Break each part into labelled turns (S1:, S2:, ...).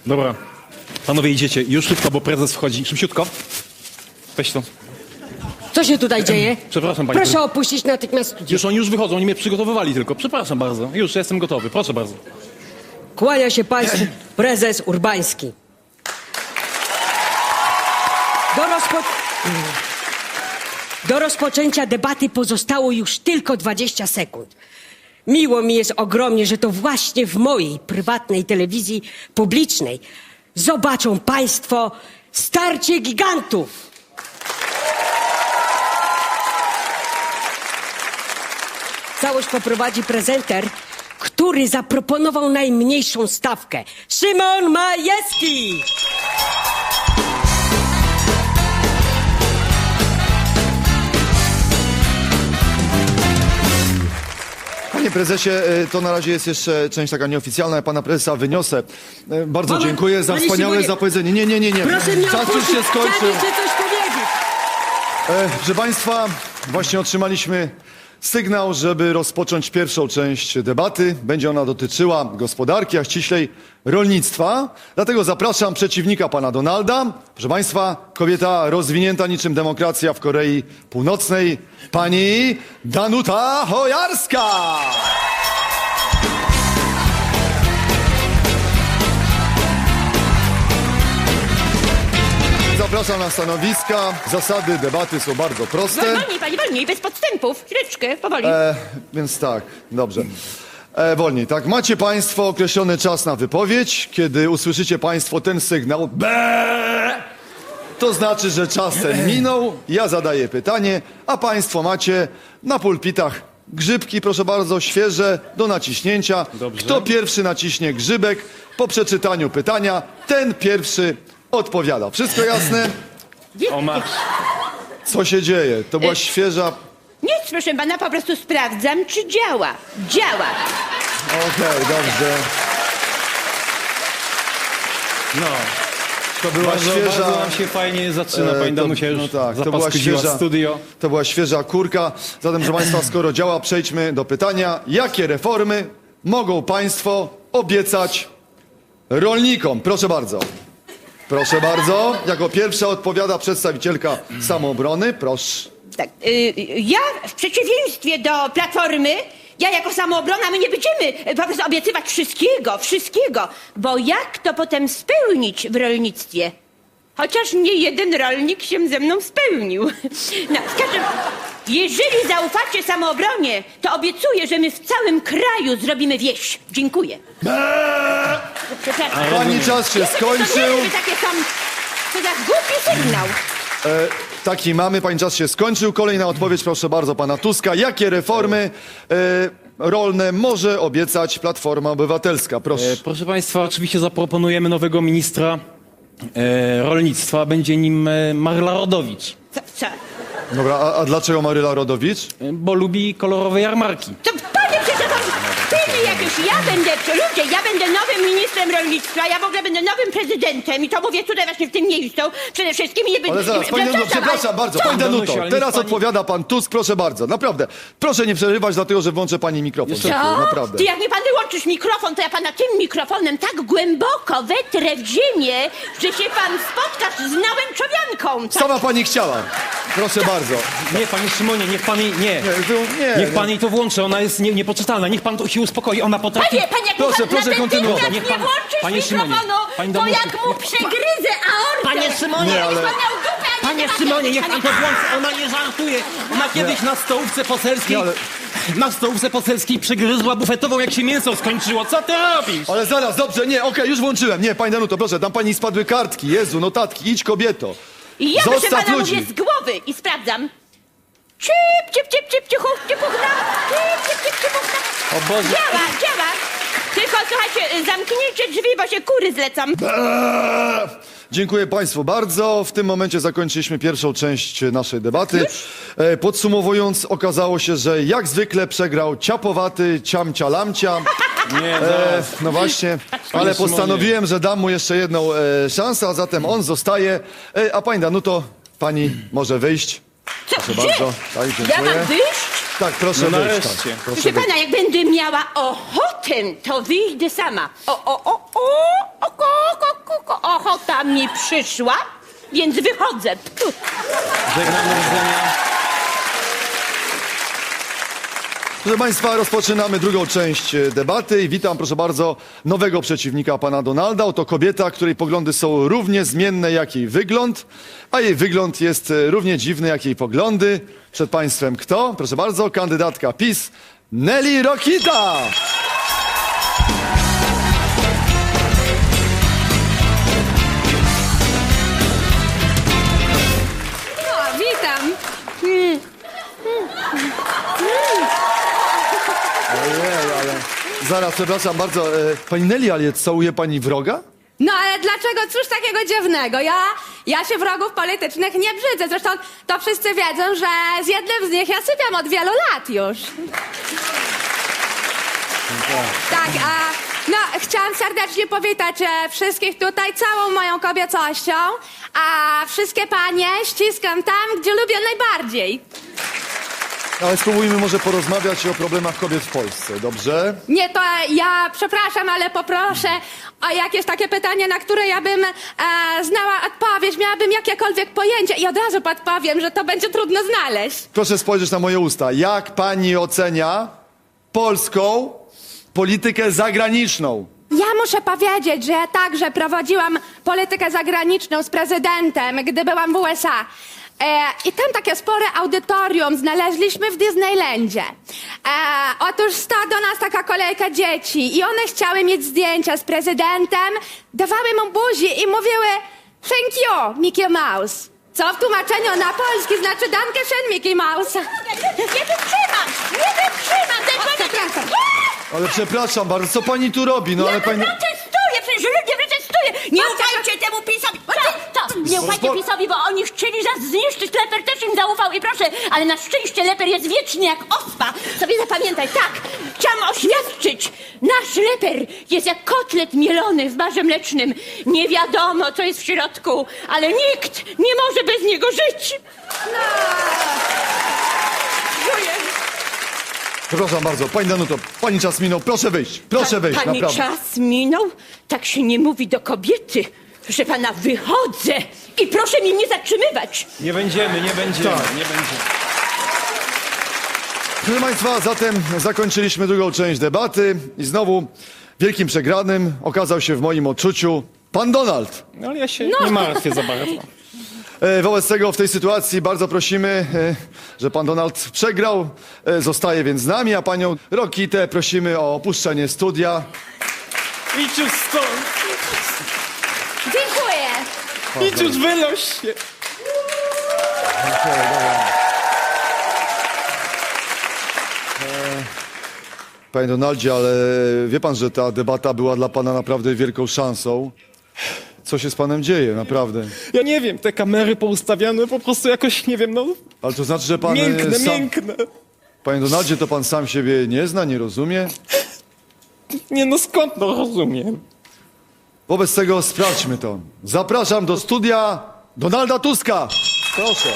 S1: Dobra. Panowie, idziecie. Już szybko, bo prezes wchodzi. Szybciutko. Weź to.
S2: Co się tutaj dzieje?
S1: Przepraszam, pani
S2: Proszę opuścić natychmiast studio.
S1: Już oni już wychodzą, oni mnie przygotowywali tylko. Przepraszam bardzo. Już jestem gotowy. Proszę bardzo.
S2: Kłania się państwu prezes Urbański. Do rozpoczęcia debaty pozostało już tylko 20 sekund. Miło mi jest ogromnie, że to właśnie w mojej prywatnej telewizji publicznej zobaczą państwo starcie gigantów. Całość poprowadzi prezenter, który zaproponował najmniejszą stawkę. Szymon Majewski!
S3: Panie prezesie, to na razie jest jeszcze część taka nieoficjalna. Ja pana prezesa wyniosę. Bardzo
S2: Moment,
S3: dziękuję za
S2: panie
S3: wspaniałe
S2: Szymonie.
S3: zapowiedzenie. Nie.
S2: Proszę mnie
S3: Czas już
S2: opuścić,
S3: się skończył.
S2: chciałem jeszcze coś powiedzieć.
S3: Proszę państwa, właśnie otrzymaliśmy sygnał, żeby rozpocząć pierwszą część debaty. Będzie ona dotyczyła gospodarki, a ściślej rolnictwa. Dlatego zapraszam przeciwnika pana Donalda. Proszę państwa, kobieta rozwinięta niczym demokracja w Korei Północnej, pani Danuta Hojarska. Zapraszam na stanowiska. Zasady debaty są bardzo proste.
S4: Wolniej, pani, wolniej, bez podstępów. Chwileczkę, powoli.
S3: Więc tak, dobrze. Wolniej, tak. Macie państwo określony czas na wypowiedź. Kiedy usłyszycie państwo ten sygnał, to znaczy, że czas ten minął. Ja zadaję pytanie, a państwo macie na pulpitach grzybki, proszę bardzo, świeże, do naciśnięcia.
S1: Dobrze.
S3: Kto pierwszy naciśnie grzybek po przeczytaniu pytania, ten pierwszy odpowiada. Wszystko jasne?
S1: O, masz.
S3: Co się dzieje? To była świeża...
S4: Nic, proszę pana, po prostu sprawdzam, czy działa. Działa.
S3: Okej, dobrze.
S1: No.
S3: To była
S1: Bardzo,
S3: świeża...
S1: bardzo nam się fajnie zaczyna. Pani Danusia już
S3: to była
S1: zapaskudziła
S3: świeża,
S1: studio.
S3: to była świeża kurka. Zatem, proszę państwa, skoro działa, przejdźmy do pytania. Jakie reformy mogą państwo obiecać rolnikom? Proszę bardzo. Proszę bardzo. Jako pierwsza odpowiada przedstawicielka Samoobrony. Proszę.
S4: Tak, ja w przeciwieństwie do Platformy, ja jako Samoobrona, my nie będziemy po prostu obiecywać wszystkiego, bo jak to potem spełnić w rolnictwie? Chociaż nie jeden rolnik się ze mną spełnił. No, w każdym, jeżeli zaufacie Samoobronie, to obiecuję, że my w całym kraju zrobimy wieś. Dziękuję. Przepraszam.
S3: Pani czas się skończył.
S4: To takie są, to za głupi sygnał.
S3: Taki mamy. Pani czas się skończył. Kolejna odpowiedź, proszę bardzo, pana Tuska. Jakie reformy rolne może obiecać Platforma Obywatelska? Proszę.
S1: Proszę państwa, oczywiście zaproponujemy nowego ministra rolnictwa. Będzie nim Maryla Rodowicz.
S4: Co?
S3: Dobra, a dlaczego Maryla Rodowicz?
S1: Bo lubi kolorowe jarmarki.
S4: To panie przecież, tyle jakieś, ja będę nowym ministrem rolnictwa, ja w ogóle będę nowym prezydentem i to mówię tutaj właśnie w tym miejscu przede wszystkim i nie będę...
S3: Ale zaraz, pani Danuto, przepraszam bardzo, pani Danuto,
S1: Danusiu, ale
S3: teraz
S1: niech pani-
S3: odpowiada pan Tusk, proszę bardzo, naprawdę. Proszę nie przerywać, dlatego że włączę pani mikrofon.
S1: Jeszcze-
S3: Dziękuję, naprawdę.
S4: Ty jak mi pan wyłączysz mikrofon, to ja pana tym mikrofonem tak głęboko wetrę w ziemię, że się pan spotkasz z nałęczowianką. Tak?
S3: Sama pani chciała. Proszę bardzo.
S1: Nie, panie Szymonie, niech pan jej... Nie.
S3: Nie,
S1: Niech pan jej to włączy, ona jest niepoczytalna. Niech pan to się uspokoi, ona potrafi...
S4: Panie, jak
S3: Proszę,
S4: mi pan
S3: proszę kontynuować.
S4: natychmiast
S1: Niech
S4: nie
S1: pan-
S4: włączysz
S1: panie Szymonie,
S4: mikrofonu,
S1: pani
S4: to
S1: Danusiu,
S4: jak mu przegryzę aortę.
S1: Panie Szymonie,
S3: Nie, ale-
S4: Jakbyś pan miał dupę, a nie
S1: Panie
S4: temat,
S1: Szymonie,
S4: jakbyś
S1: niech pan to
S4: miał-
S1: włączy, ona nie żartuje. Ona kiedyś na stołówce poselskiej...
S3: Nie, ale-
S1: Na stołówce poselskiej przegryzła bufetową, jak się mięso skończyło. Co ty robisz?
S3: Ale zaraz, dobrze, nie, okej, już włączyłem. Nie, pani Danuto, proszę, tam pani spadły kartki. Jezu, notatki, idź kobieto.
S4: I ja proszę
S3: Zostaw
S4: pana
S3: ludzi.
S4: mówię z głowy i sprawdzam. Cipuchna.
S1: O Boże.
S4: Działa. Tylko słuchajcie, zamknijcie drzwi, bo się kury zlecam.
S3: Dziękuję państwu bardzo. W tym momencie zakończyliśmy pierwszą część naszej debaty. Podsumowując, okazało się, że jak zwykle przegrał ciapowaty ciamcia lamcia.
S1: Nie,
S3: No właśnie, ale
S1: Szymonie.
S3: postanowiłem, że dam mu jeszcze jedną szansę, a zatem on zostaje. A pani Danuto, pani może wyjść.
S4: Co,
S3: Proszę
S4: gdzie?
S3: bardzo. Tak,
S4: Ja
S3: dziękuję.
S4: mam wyjść?
S3: Tak, proszę
S1: No
S3: wyjść.
S1: nareszcie.
S3: Tak, proszę
S4: Proszę
S3: wyjść.
S4: pana, jak będę miała ochotę, to wyjdę sama. O. baba mi przyszła, więc wychodzę. Ptu.
S1: Żegnam, do widzenia.
S3: Proszę Państwa, rozpoczynamy drugą część debaty i witam, proszę bardzo, nowego przeciwnika pana Donalda. Oto kobieta, której poglądy są równie zmienne jak jej wygląd, a jej wygląd jest równie dziwny jak jej poglądy. Przed Państwem kto? Proszę bardzo, kandydatka PiS, Nelly Rokita!
S5: O, witam.
S3: Ojej, ale... Zaraz, przepraszam bardzo, pani Nelly, ale całuje pani wroga?
S5: No ale dlaczego? Cóż takiego dziwnego? Ja się wrogów politycznych nie brzydzę. Zresztą to wszyscy wiedzą, że z jednym z nich ja sypiam od wielu lat już. Tak, no chciałam serdecznie powitać wszystkich tutaj całą moją kobiecością, a wszystkie panie ściskam tam, gdzie lubię najbardziej.
S3: Ale spróbujmy może porozmawiać o problemach kobiet w Polsce, dobrze?
S5: Nie, to ja przepraszam, ale poproszę o jakieś takie pytanie, na które ja bym znała odpowiedź, miałabym jakiekolwiek pojęcie i od razu podpowiem, że to będzie trudno znaleźć.
S3: Proszę spojrzeć na moje usta. Jak pani ocenia polską politykę zagraniczną?
S5: Ja muszę powiedzieć, że ja także prowadziłam politykę zagraniczną z prezydentem, gdy byłam w USA. I tam takie spore audytorium znaleźliśmy w Disneylandzie. Otóż stała do nas taka kolejka dzieci i one chciały mieć zdjęcia z prezydentem, dawały mu buzi i mówiły thank you, Mickey Mouse. Co w tłumaczeniu na polski znaczy danke schön, Mickey Mouse.
S4: Nie wytrzymam! Nie wytrzymam!
S5: Przepraszam.
S3: Ale przepraszam bardzo, co pani tu robi? No ale
S4: Ja
S3: pani...
S4: protestuję, przecież ludzie protestuję! Nie ufajcie temu PiS-owi! Nie ufajcie PiS-owi, bo oni chcieli nas zniszczyć, Leper też im zaufał i proszę, ale na szczęście Leper jest wieczny jak ospa. Sobie zapamiętaj, tak, chciałam oświadczyć, nasz Leper jest jak kotlet mielony w barze mlecznym. Nie wiadomo, co jest w środku, ale nikt nie może bez niego żyć. Dziękuję.
S3: Przepraszam bardzo, pani Danuto, pani czas minął, proszę wyjść,
S4: Pani
S3: naprawdę.
S4: czas minął? Tak się nie mówi do kobiety. Proszę pana, wychodzę i proszę mnie nie zatrzymywać.
S1: Nie będziemy.
S3: Tak.
S1: Nie będziemy.
S3: Proszę Państwa, zatem zakończyliśmy drugą część debaty i znowu wielkim przegranym okazał się w moim odczuciu pan Donald.
S1: No ale ja się nie martwię za bardzo.
S3: Wobec tego w tej sytuacji bardzo prosimy, że pan Donald przegrał, zostaje więc z nami, a panią Rokitę prosimy o opuszczenie studia.
S1: Idź już stąd!
S5: Dziękuję.
S1: Idź już, wynoś się!
S3: Panie Donaldzie, ale wie pan, że ta debata była dla pana naprawdę wielką szansą. Co się z panem dzieje, naprawdę?
S1: Ja nie wiem, te kamery poustawiane po prostu jakoś, nie wiem, no...
S3: Ale to znaczy, że pan
S1: Miękne.
S3: Panie Donaldzie, to pan sam siebie nie zna, nie rozumie?
S1: Nie no, skąd no rozumiem?
S3: Wobec tego sprawdźmy to. Zapraszam do studia Donalda Tuska. Proszę.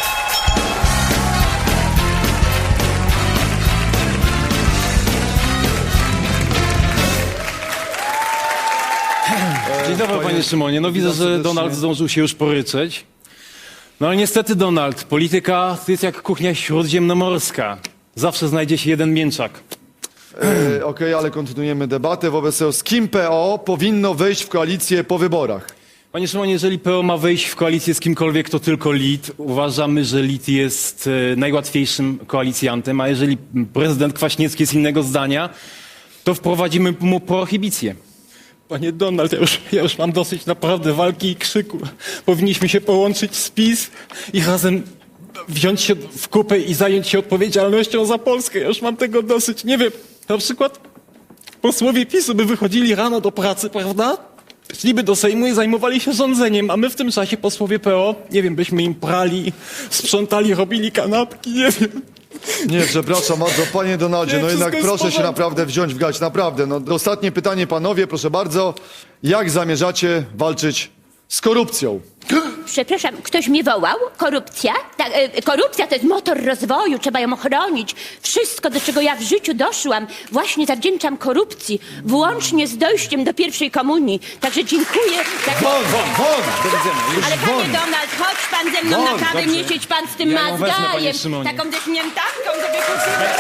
S1: Dzień dobry, panie Szymonie. No widzę,
S3: witam
S1: że
S3: serdecznie.
S1: Donald zdążył się już poryczeć. No ale niestety, Donald, polityka to jest jak kuchnia śródziemnomorska. Zawsze znajdzie się jeden mięczak.
S3: Okej, ale kontynuujemy debatę. Wobec tego z kim PO powinno wejść w koalicję po wyborach?
S1: Panie Szymonie, jeżeli PO ma wejść w koalicję z kimkolwiek, to tylko LIT. Uważamy, że LIT jest najłatwiejszym koalicjantem, a jeżeli prezydent Kwaśniewski jest innego zdania, to wprowadzimy mu prohibicję. Panie Donald, ja już mam dosyć naprawdę walki i krzyku. Powinniśmy się połączyć z PiS i razem wziąć się w kupę i zająć się odpowiedzialnością za Polskę. Ja już mam tego dosyć. Nie wiem, na przykład posłowie PiS-u by wychodzili rano do pracy, prawda? Szliby do Sejmu i zajmowali się rządzeniem, a my w tym czasie posłowie PO, nie wiem, byśmy im prali, sprzątali, robili kanapki, nie wiem.
S3: Nie, przepraszam bardzo, panie Donaldzie,
S1: Nie,
S3: no jednak
S1: wszystko jest
S3: proszę
S1: w
S3: się
S1: porządku.
S3: naprawdę wziąć w garść, naprawdę. No, ostatnie pytanie, panowie, proszę bardzo. Jak zamierzacie walczyć z korupcją?
S4: przepraszam, ktoś mnie wołał? Korupcja? Korupcja to jest motor rozwoju, trzeba ją ochronić. Wszystko, do czego ja w życiu doszłam, właśnie zawdzięczam korupcji, włącznie z dojściem do pierwszej komunii. Także dziękuję.
S3: Won! Do widzenia. Już
S4: Ale
S3: won!
S4: panie Donald, chodź pan ze mną
S3: Won,
S4: na kawę,
S3: dobrze.
S4: nie siedź pan z tym
S1: Ja ją wezmę, panie
S4: mazgajem.
S1: Szymonie.
S4: Taką deśniętanką, żeby kupić.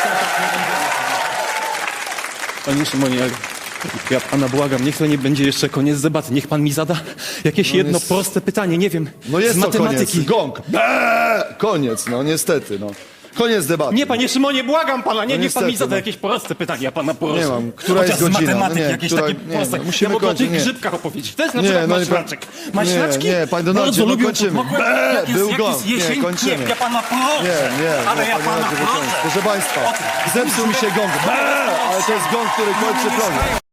S1: Panie Szymonie, ja pana błagam, niech to nie będzie jeszcze koniec debaty. Niech pan mi zada jakieś jedno
S3: jest-
S1: proste pytanie, nie wiem,
S3: No jest
S1: z
S3: to
S1: matematyki.
S3: koniec. Gong. Koniec, no niestety, no. Koniec debaty.
S1: Nie, panie Szymonie, błagam pana, nie,
S3: No
S1: niech pan mi
S3: niestety,
S1: zada
S3: no.
S1: jakieś proste pytanie, ja pana proszę.
S3: Nie mam. Która
S1: Chociaż
S3: jest godzina?
S1: z matematyki,
S3: No nie,
S1: jakieś
S3: która-
S1: takie
S3: nie,
S1: proste.
S3: no, musimy
S1: ja mogę o
S3: kończyć,
S1: tych
S3: nie.
S1: grzybkach opowiedzieć. To jest na
S3: Nie,
S1: przykład
S3: no nie,
S1: maślaczek. Maślaczki
S3: nie, panie Donaldzie,
S1: bardzo
S3: no
S1: lubią
S3: kończymy.
S1: podmokłe. Jak
S3: Był
S1: jest
S3: gong. Nie,
S1: jesień,
S3: kończymy.
S1: ja pana proszę.
S3: Nie,
S1: ale ja
S3: panie
S1: pana
S3: Donaldzie, wykończ.
S1: proszę.
S3: Proszę państwa, zepsuł mi się gong. Ale to jest gong, który kończy program.